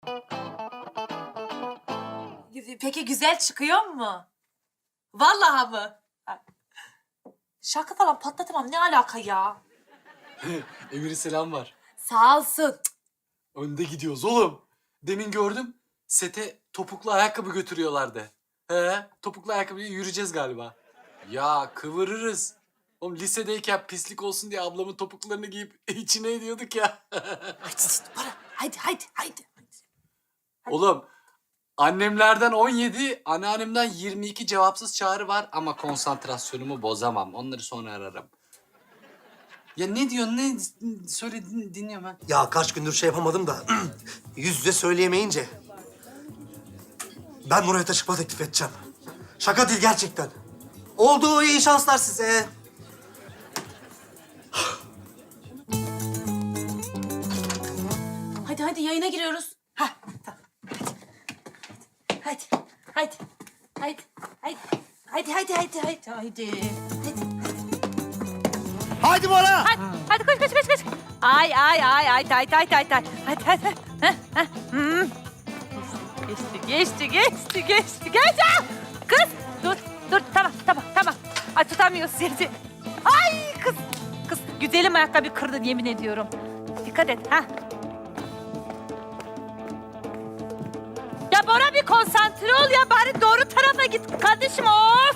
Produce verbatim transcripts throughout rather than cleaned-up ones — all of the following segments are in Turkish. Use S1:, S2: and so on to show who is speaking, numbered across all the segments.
S1: Peki güzel çıkıyor mu? Vallahi mı? Şarkı falan patlatamam. Ne alaka ya?
S2: Emir'e selam var.
S1: Sağ olsun.
S2: Önde gidiyoruz oğlum. Demin gördüm. Sete topuklu ayakkabı götürüyorlardı. He, topuklu ayakkabıyla yürüyeceğiz galiba. Ya kıvırırız. Oğlum lisedeyken pislik olsun diye ablamın topuklarını giyip içine ediyorduk ya.
S1: Haydi para. Haydi haydi haydi.
S2: Oğlum annemlerden on yedi, anneannemden yirmi iki cevapsız çağrı var ama konsantrasyonumu bozamam. Onları sonra ararım. Ya ne diyorsun? Ne söyle din- dinliyorum ben.
S3: Ya kaç gündür şey yapamadım da yüz yüze söyleyemeyince ben Murat'a çıkma teklif edeceğim. Şaka değil gerçekten. Oldu, iyi şanslar size.
S1: Hadi hadi yayına giriyoruz. Ha tamam. Hadi. Hadi. Hadi. Hadi. Hadi hadi hadi hadi hadi. Hadi.
S3: Haydi Bora.
S4: Hadi, hadi koş koş koş koş. Ay ay ay ay ay ay ay ay. Hadi hadi. Heh, heh. Hmm. Geçti geçti geçti geçti geçti. Kız dur dur tamam tamam tamam. Ay tutamıyoruz seni. Ay kız kız güzelim ayakkabı kırdın yemin ediyorum. Dikkat et ha. Ya Bora bir konsantre ol ya bari doğru tarafa git kardeşim of.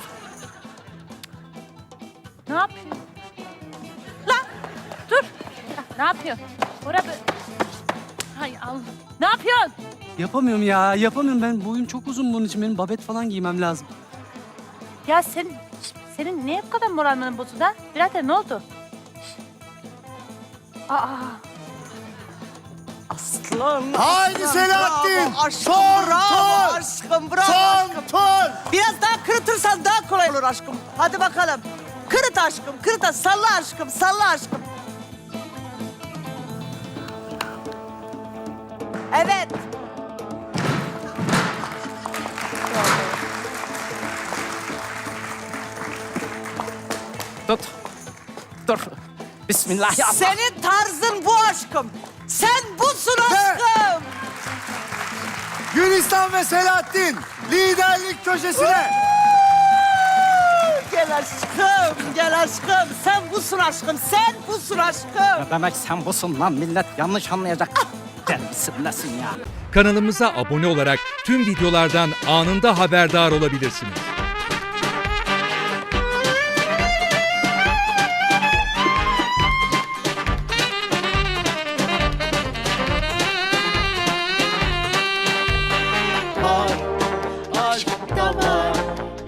S4: Ne yapıyorsun? Lan dur. Ne yapıyorsun? Bora bir... Hay Allah. Ne yapıyorsun?
S5: Yapamıyorum ya, yapamıyorum. Ben boyum çok uzun bunun için. Benim babet falan giymem lazım.
S4: Ya sen, senin niye bu kadar moralinin bozuldu ha? Birader ne oldu? Aa.
S6: Aslan.
S3: Haydi
S6: aslan,
S3: Selahattin.
S6: bravo, aşkım,
S3: Son
S6: bravo
S3: tur.
S6: aşkım, bravo
S3: Son
S6: aşkım.
S3: tur.
S6: Biraz daha kırıtırsan daha kolay olur aşkım. Hadi bakalım. Kırıt aşkım, kırıt. Salla aşkım, salla aşkım. Evet.
S5: Tut. Dur. Bismillahirrahmanirrahim.
S6: Senin tarzın bu aşkım. Sen busun aşkım.
S3: Gülistan ve Selahattin liderlik köşesine.
S6: Gel aşkım, gel aşkım. Sen busun aşkım, sen busun aşkım.
S5: Ne demek sen busun lan? Millet yanlış anlayacak. Gel misin ya?
S7: Kanalımıza abone olarak tüm videolardan anında haberdar olabilirsiniz.